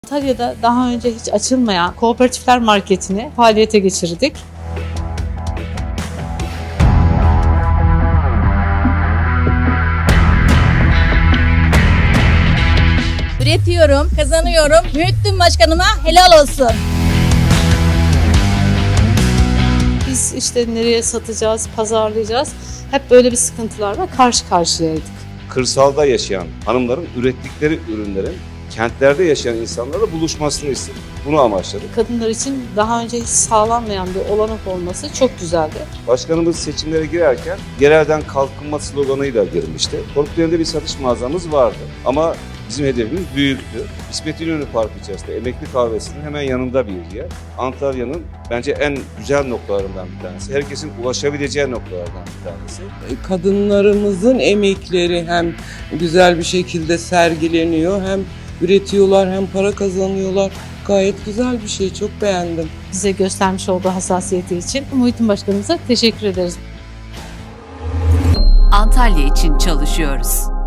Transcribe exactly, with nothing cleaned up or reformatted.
Antalya'da daha önce hiç açılmayan kooperatifler marketini faaliyete geçirdik. Üretiyorum, kazanıyorum. Mühittin Başkanıma helal olsun. Biz işte nereye satacağız, pazarlayacağız. Hep böyle bir sıkıntılarla karşı karşıyaydık. Kırsalda yaşayan hanımların ürettikleri ürünlerin kentlerde yaşayan insanlarla buluşmasını istedik. Bunu amaçladık. Kadınlar için daha önce hiç sağlanmayan bir olanak olması çok güzeldi. Başkanımız seçimlere girerken yerelden kalkınma sloganıyla girmişti. Korkutlarında bir satış mağazamız vardı ama bizim hedefimiz büyüktü. İsmet İnönü Parkı içerisinde Emekli Kahvesi'nin hemen yanında bir yer. Antalya'nın bence en güzel noktalarından bir tanesi. Herkesin ulaşabileceği noktalardan bir tanesi. Kadınlarımızın emekleri hem güzel bir şekilde sergileniyor, hem üretiyorlar hem para kazanıyorlar. Gayet güzel bir şey, çok beğendim. Bize göstermiş olduğu hassasiyeti için Muhittin Başkanımıza teşekkür ederiz. Antalya için çalışıyoruz.